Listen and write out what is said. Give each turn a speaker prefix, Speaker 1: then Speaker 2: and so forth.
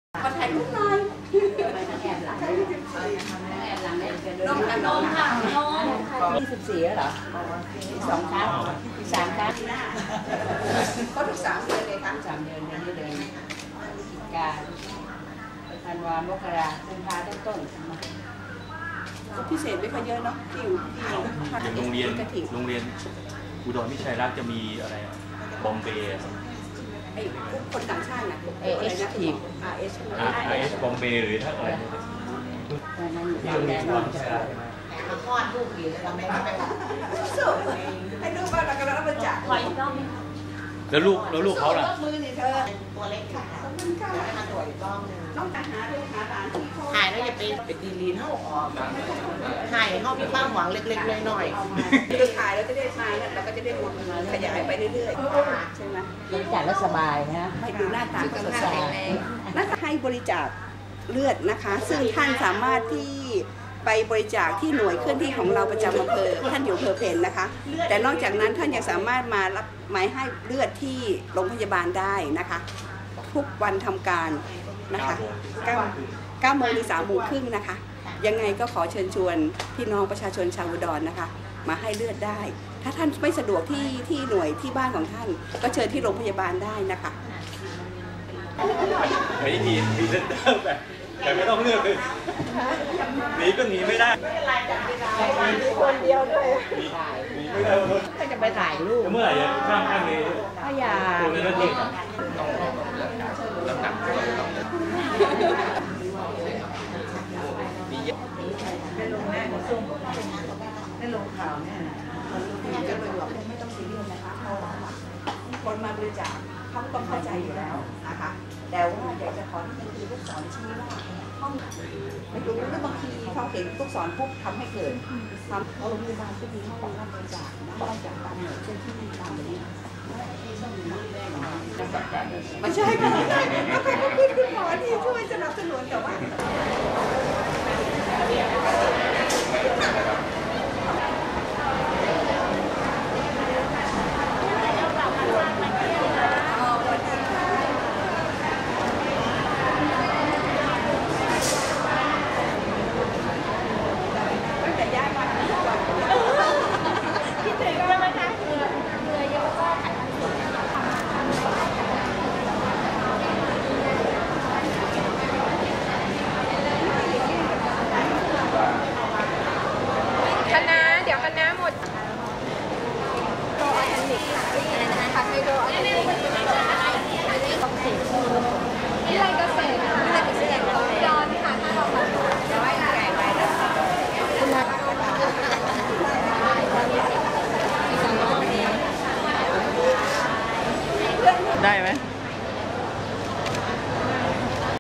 Speaker 1: ขอถ่ายรูปหน่อยแอบหลังน้องค่ะน้องค่ะน้อง24แล้วเหรอ2 ครั้ง3 ครั้งก็ทุก3 เดือนเลยครับ3 เดือนเดือนนี้เดือนพฤศจิกาธันวามกรากุมภาต้นพิเศษไม่ค่อยเยอะเนาะที่อยู่
Speaker 2: อย่างโรงเรียนอุดรวิชัยรักจะมีอะไรบอมเบย์
Speaker 1: ไอ้คนต่างชาตินะ
Speaker 2: RS บอมเบย์หรือถ้าอะไรที่โรงเรียนอุดรวิชัยรัก
Speaker 3: มาคลอดลูกอยู่แล้วเราไม่ไป
Speaker 1: สู้ให้ลูกบ้านเรากำลังบริจาค
Speaker 2: แล้วลูกเขาล่ะ
Speaker 1: มือนี่เธอ
Speaker 3: ตัวเล็กค่ะให้มาตรวจอีกรอบนึง
Speaker 1: ต้องหาลูกหาหลานที่เขา
Speaker 3: ถ่ายแล้วอย่าไปดีลีนเข้าออกถ่ายเข้ามีความหวังเล็กๆน้อย
Speaker 1: ๆคือถ่ายแล้วจะได้มาเนี่ยเราก็จะได้ขยายไปเรื่อยๆใช่ไหม
Speaker 4: บริจาคแล้วสบายนะ
Speaker 1: ให้ดูหน้าตาสดใสน่าจะให้บริจาคเลือดนะคะซึ่งท่านสามารถที่ไปบริจาคที่หน่วยเคลื่อนที่ของเราประจำอำเภอท่านอยู่อำเภอเพนนะคะแต่นอกจากนั้นท่านยังสามารถมารับหมายให้เลือดที่โรงพยาบาลได้นะคะทุกวันทำการนะคะ9 โมงถึง3 โมงครึ่งนะคะยังไงก็ขอเชิญชวนพี่น้องประชาชนชาวอุดรนะคะมาให้เลือดได้ถ้าท่านไม่สะดวกที่หน่วยที่บ้านของท่านก็เชิญที่โรงพยาบาลได้นะคะ
Speaker 2: ไม่มีเซนเตอร์แบบแต่ไม่ต้องเลือกเลยหนีก็หนีไม่ได้
Speaker 1: คนเดียวด้วย
Speaker 2: หนีไม่ได้
Speaker 4: ก็จะไปถ่ายรูป
Speaker 2: เมื่อไหร่จะข้างนี้
Speaker 4: พยา
Speaker 2: ตัวนี้ก็เด็ก
Speaker 1: ในลงข่าวเนี่ยจะเลยบอกไม่ต้องซีเรียสนะคะคนมาบริจาคเขาต้องเข้าใจอยู่แล้วนะคะแต่ว่าอยากจะขอที่คือลูกศรชี้ว่าห้องไม่รู้หรือบางทีเขาเห็นลูกศรปุ๊บทำให้เกิดทำโรงพยาบาลก็มีห้องรับบริจาคนะบริจาคตามหน่วยเช่นที่มีตามนี้ไม่ใช่ค่ะไม่ใช่แล้วใครก็ขึ้นหมอที่ช่วยสนับสนุนแต่ว่า
Speaker 4: ได้ไหม